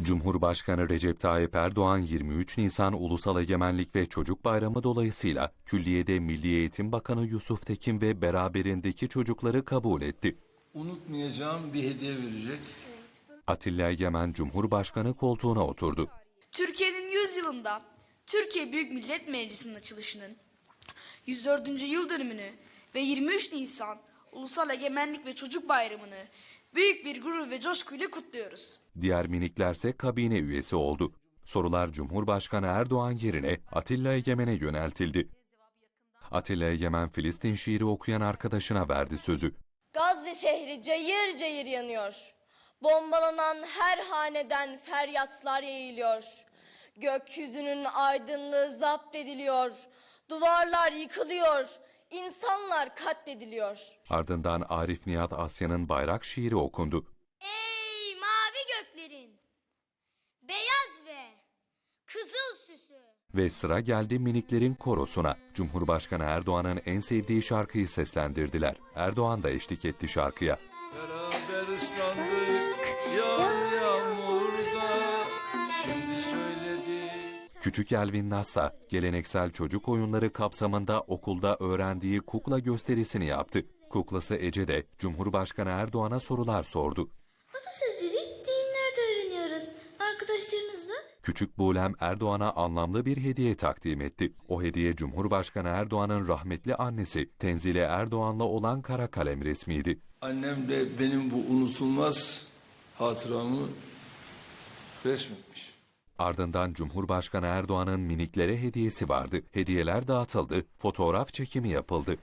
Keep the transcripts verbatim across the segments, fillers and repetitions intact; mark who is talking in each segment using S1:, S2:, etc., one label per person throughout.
S1: Cumhurbaşkanı Recep Tayyip Erdoğan yirmi üç Nisan Ulusal Egemenlik ve Çocuk Bayramı dolayısıyla külliyede Milli Eğitim Bakanı Yusuf Tekin ve beraberindeki çocukları kabul etti.
S2: Unutmayacağım bir hediye verecek.
S1: Atilla Egemen Cumhurbaşkanı koltuğuna oturdu.
S3: Türkiye'nin yüz yılında Türkiye Büyük Millet Meclisi'nin açılışının yüz dördüncü yıl dönümünü ve yirmi üç Nisan Ulusal Egemenlik ve Çocuk Bayramı'nı büyük bir gurur ve coşkuyla kutluyoruz.
S1: Diğer miniklerse kabine üyesi oldu. Sorular Cumhurbaşkanı Erdoğan yerine Atilla Egemen'e yöneltildi. Atilla Egemen Filistin şiiri okuyan arkadaşına verdi sözü.
S4: Gazze şehri cayır cayır yanıyor. Bombalanan her haneden feryatlar yayılıyor. Gökyüzünün aydınlığı zapt ediliyor. Duvarlar yıkılıyor. İnsanlar katlediliyor.
S1: Ardından Arif Nihat Asya'nın bayrak şiiri okundu.
S5: Ey mavi göklerin, beyaz ve kızıl süsü.
S1: Ve sıra geldi miniklerin korosuna. Cumhurbaşkanı Erdoğan'ın en sevdiği şarkıyı seslendirdiler. Erdoğan da eşlik etti şarkıya.
S2: Beraber ıslandık yağmur yağmurda. Şimdi söyledi.
S1: Küçük Elvin Nassa, geleneksel çocuk oyunları kapsamında okulda öğrendiği kukla gösterisini yaptı. Kuklası Ece de Cumhurbaşkanı Erdoğan'a sorular sordu.
S5: Atasözleri dinlerde öğreniyoruz. Arkadaşlarınızla.
S1: Küçük Buğlem Erdoğan'a anlamlı bir hediye takdim etti. O hediye Cumhurbaşkanı Erdoğan'ın rahmetli annesi Tenzile Erdoğan'la olan kara kalem resmiydi.
S2: Annem de benim bu unutulmaz hatıramı resmetmiş.
S1: Ardından Cumhurbaşkanı Erdoğan'ın miniklere hediyesi vardı. Hediyeler dağıtıldı, fotoğraf çekimi yapıldı.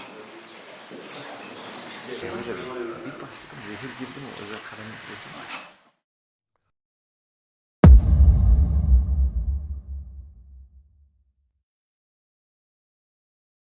S6: Bir başladım, zehir girdi mi? Özel kalem girdi mi?